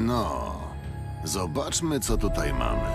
No, zobaczmy, co tutaj mamy.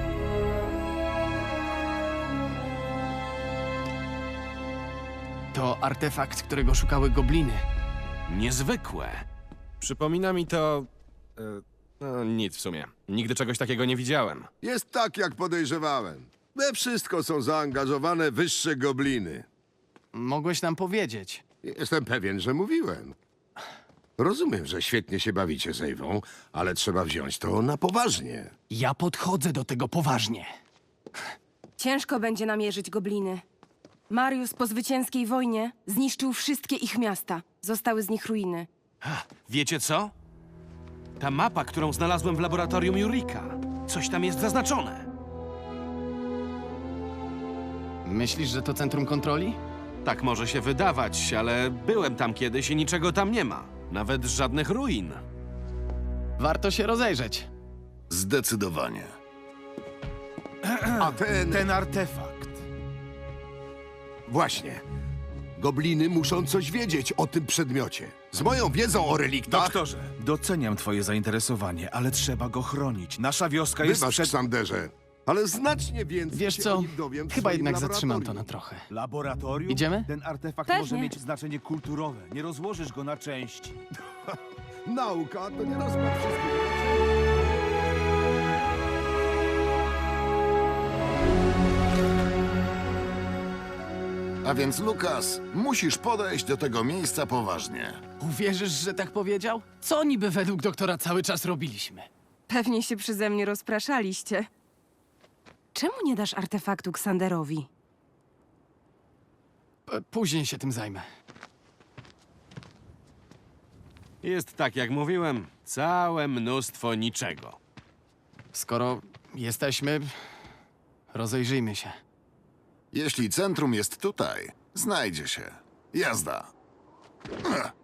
To artefakt, którego szukały gobliny. Niezwykłe. Przypomina mi to... no, nic w sumie. Nigdy czegoś takiego nie widziałem. Jest tak, jak podejrzewałem. We wszystko są zaangażowane wyższe gobliny. Mogłeś nam powiedzieć. Jestem pewien, że mówiłem. Rozumiem, że świetnie się bawicie z Ewą, ale trzeba wziąć to na poważnie. Ja podchodzę do tego poważnie. Ciężko będzie namierzyć gobliny. Mariusz po zwycięskiej wojnie zniszczył wszystkie ich miasta. Zostały z nich ruiny. Wiecie co? Ta mapa, którą znalazłem w laboratorium Jurika. Coś tam jest zaznaczone. Myślisz, że to centrum kontroli? Tak może się wydawać, ale byłem tam kiedyś i niczego tam nie ma. Nawet żadnych ruin. Warto się rozejrzeć. Zdecydowanie. A ten artefakt. właśnie. Gobliny muszą coś wiedzieć o tym przedmiocie. Z moją wiedzą o reliktach... Doktorze, doceniam twoje zainteresowanie, ale trzeba go chronić. Nasza wioska jest Wybacz, przed... Xanderze, ale znacznie więcej Wiesz się co? o nim dowiem w Chyba swoim jednak zatrzymam to laboratorium. na trochę. Laboratorium? Idziemy? Ten artefakt Pewnie. może mieć znaczenie kulturowe. Nie rozłożysz go na części. Nauka to nie rozkład wszystkiego. A więc, Lukas, musisz podejść do tego miejsca poważnie. Uwierzysz, że tak powiedział? Co niby według doktora cały czas robiliśmy? Pewnie się przeze mnie rozpraszaliście. Czemu nie dasz artefaktu Xanderowi? Później się tym zajmę. Jest tak, jak mówiłem. Całe mnóstwo niczego. Skoro jesteśmy, rozejrzyjmy się. Jeśli centrum jest tutaj, znajdzie się. Jazda. Ech.